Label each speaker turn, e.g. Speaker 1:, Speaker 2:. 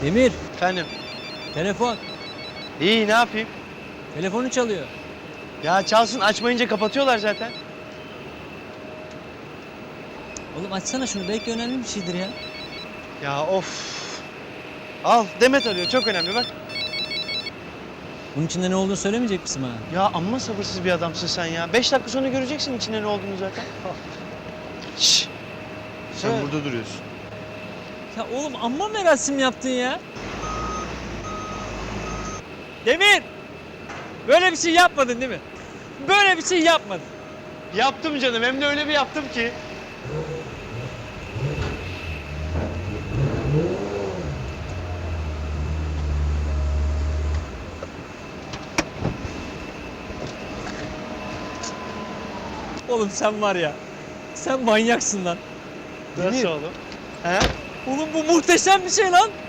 Speaker 1: Demir,
Speaker 2: Efendim?
Speaker 1: telefon.
Speaker 2: İyi, ne yapayım?
Speaker 1: Telefonu çalıyor.
Speaker 2: Ya çalsın, açmayınca kapatıyorlar zaten.
Speaker 1: Oğlum açsana şunu, belki önemli bir şeydir ya.
Speaker 2: Ya of. Al, Demet arıyor, çok önemli bak.
Speaker 1: Bunun içinde ne olduğunu söylemeyecek misin bana?
Speaker 2: Ya amma sabırsız bir adamsın sen ya. 5 dakika sonra göreceksin içinde ne olduğunu zaten. Şşş. Sen
Speaker 1: Evet.
Speaker 2: burada duruyorsun.
Speaker 1: Ya oğlum amma merasim yaptın ya. Demir! Böyle bir şey yapmadın değil mi? Böyle bir şey yapmadın.
Speaker 2: Yaptım canım, hem de öyle bir yaptım ki.
Speaker 1: Oğlum sen var ya, sen manyaksın lan.
Speaker 2: Nasıl
Speaker 1: Demir,
Speaker 2: oğlum? He?
Speaker 1: oğlum bu muhteşem bir şey lan.